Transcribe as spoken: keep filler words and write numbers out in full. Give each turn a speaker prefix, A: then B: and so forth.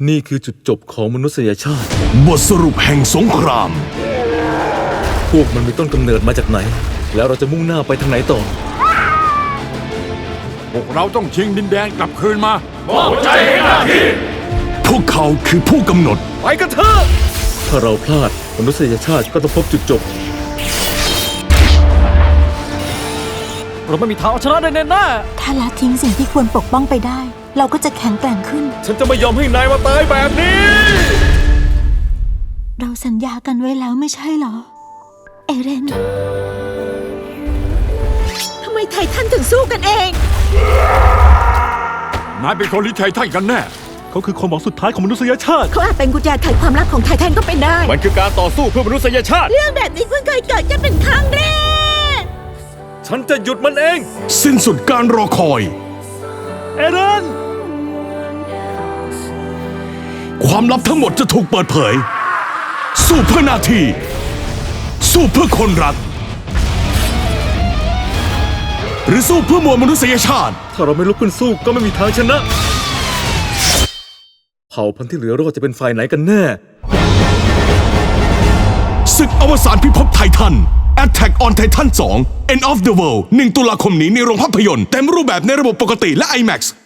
A: นี่คือจุดจบของมนุษยชาติ
B: บทสรุปแห่งสงคราม
A: พวกมันมีต้นกำเนิดมาจากไหนแล้วเราจะมุ่งหน้าไปทางไหนต่อ
C: พวกเราต้องชิงดินแดนกลับคืนมามอบ
B: ใจให้หน้าที่พวกเขาคือผู้กำหนด
A: ไปกันเถอะถ้าเราพลาดมนุษยชาติก็ต้องพบจุดจบเราไม่มีทางเอาชนะได้แน่
D: ๆถ้าละทิ้งสิ่งที่ควรปกป้องไปได้เราก็จะแข็งแกร่งขึ้น
A: ฉันจะไม่ยอมให้นายมาตายแบบนี้
D: เราสัญญากันไว้แล้วไม่ใช่เหรอเอเรนทำไมไททันถึงสู้กันเอง
C: นายเป็นคนลิไททันกันแน่
A: เขาคือความหวังสุดท้ายของมนุษยชาติ
D: เขาอาจเป็นกุญแจไขความลับของไททันก็เป็นได้
A: มันคือการต่อสู้เพื่อมนุษยชาติ
D: เรื่องแบบนี้เพิ่งเคยเกิดกันเป็นครั้งแรก
A: ฉันจะหยุดมันเอง
B: สิ้นสุดการรอคอย
A: เอเรน
B: ความลับทั้งหมดจะถูกเปิดเผยสู้เพื่อหน้าที่สู้เพื่อคนรักหรือสู้เพื่อมวลมนุษยชาติ
A: ถ้าเราไม่ลุกขึ้นสู้ก็ไม่มีทางชนะเผ่าพันธุ์ที่เหลือรอดจะเป็นฝ่ายไหนกันแน่
B: ศึกอวสานพิภพไททัน Attack on Titan สอง End of the World หนึ่งตุลาคมนี้ในโรงภาพยนตร์เต็มรูปแบบในระบบปกติและ ไอแม็กซ์